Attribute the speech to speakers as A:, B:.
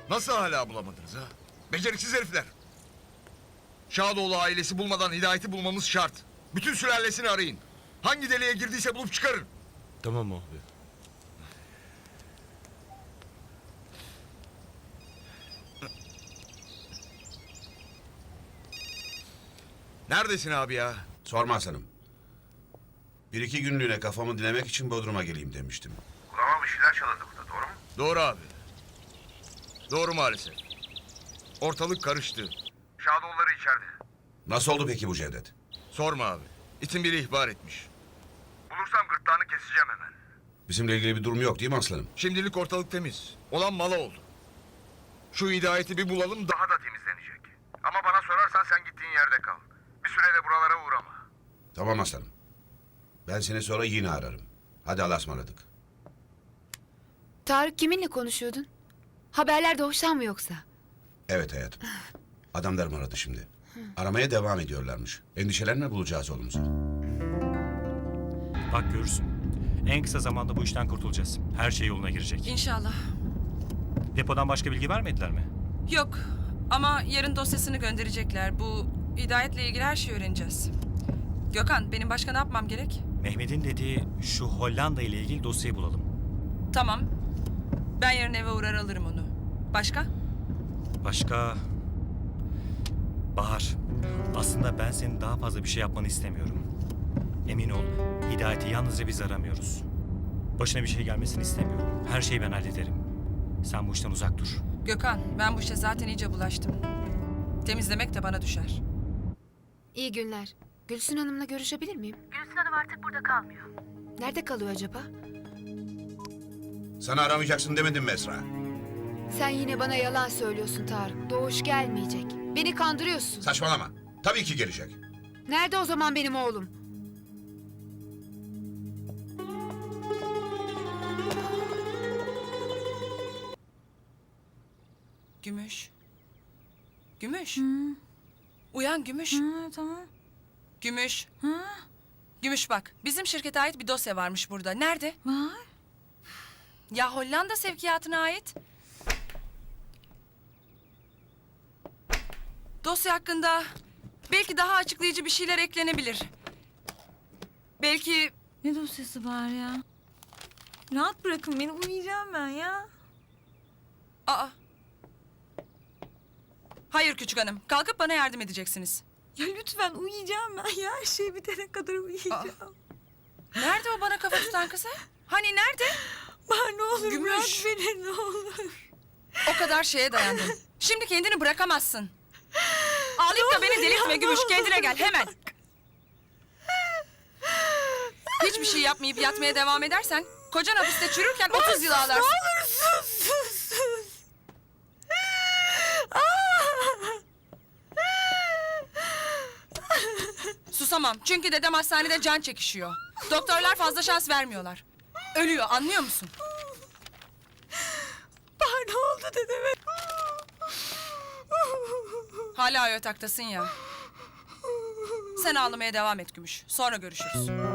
A: Nasıl hala bulamadınız ha? Beceriksiz herifler. Şadoğlu ailesi bulmadan Hidayet'i bulmamız şart. Bütün sülalesini arayın. Hangi deliğe girdiyse bulup çıkarın.
B: Tamam abi.
A: Neredesin abi ya?
C: Sorma Hasan'ım. Bir iki günlüğüne kafamı dinlemek için Bodrum'a geleyim demiştim.
D: Kulağıma bir şeyler çalındı burada, doğru mu?
A: Doğru abi. Doğru maalesef. Ortalık karıştı.
D: Şadoğulları içeride.
C: Nasıl oldu peki bu Cevdet?
A: Sorma abi. İtin biri ihbar etmiş.
D: Bulursam gırtlağını keseceğim hemen.
C: Bizimle ilgili bir durum yok değil mi aslanım?
A: Şimdilik ortalık temiz. Olan mala oldu. Şu Hidayet'i bir bulalım da...
D: Daha da temizlenecek. Ama bana sorarsan sen gittiğin yerde kal. Bir süre de buralara uğrama.
C: Tamam aslanım. Ben seni sonra yine ararım. Hadi Allah'a ısmarladık.
E: Tarık kiminle konuşuyordun? Haberlerde hoşlan mı yoksa?
C: Evet hayatım. Adamlarım aradı şimdi. Aramaya devam ediyorlarmış. Endişelenme, bulacağız oğlumuzu.
F: Bak görürsün. En kısa zamanda bu işten kurtulacağız. Her şey yoluna girecek.
G: İnşallah.
F: Depodan başka bilgi vermediler mi?
G: Yok ama yarın dosyasını gönderecekler. Bu Hidayet'le ilgili her şeyi öğreneceğiz. Gökhan, benim başka ne yapmam gerek?
F: Mehmet'in dediği şu Hollanda ile ilgili dosyayı bulalım.
G: Tamam. Ben yarın eve uğrar alırım onu. Başka?
F: Başka... Bahar, aslında ben senin daha fazla bir şey yapmanı istemiyorum. Emin ol, Hidayet'i yalnızca biz aramıyoruz. Başına bir şey gelmesini istemiyorum. Her şeyi ben hallederim. Sen bu işten uzak dur.
G: Gökhan, ben bu işe zaten iyice bulaştım. Temizlemek de bana düşer.
E: İyi günler. Gülsün Hanım'la görüşebilir miyim?
H: Gülsün Hanım artık burada kalmıyor.
E: Nerede kalıyor acaba?
C: Sana aramayacaksın demedim mi Esra?
E: Sen yine bana yalan söylüyorsun Tarık. Doğuş gelmeyecek. Beni kandırıyorsun.
C: Saçmalama. Tabii ki gelecek.
E: Nerede o zaman benim oğlum?
G: Gümüş. Gümüş. Uyan Gümüş.
I: Tamam.
G: Gümüş. Gümüş bak, bizim şirkete ait bir dosya varmış burada. Nerede?
I: Var.
G: Ya Hollanda sevkiyatına ait. Dosya hakkında belki daha açıklayıcı bir şeyler eklenebilir. Belki...
I: Ne dosyası var ya? Rahat bırakın beni, uyuyacağım ben ya.
G: Aa. Hayır küçük hanım, kalkıp bana yardım edeceksiniz.
I: Ya lütfen uyuyacağım ben ya. Her şey bitene kadar uyuyacağım.
G: Nerede o bana kafa tutan kızı? Hani nerede?
I: Bahar ne olur
G: Gümüş.
I: bırak beni, ne olur.
G: O kadar şeye dayandın. Şimdi kendini bırakamazsın. Ağlayıp da beni delirtme Gümüş, kendine gel hemen. Hiçbir şey yapmayıp yatmaya devam edersen... ...kocan hapiste çürürken 30 yıl ağlarsın.
I: Ne olur sus.
G: Susamam çünkü dedem hastanede can çekişiyor. Doktorlar fazla şans vermiyorlar. Ölüyor, anlıyor musun?
I: Bahar ne oldu dedeme?
G: Hala o yataktasın ya. Sen ağlamaya devam et Gümüş. Sonra görüşürüz.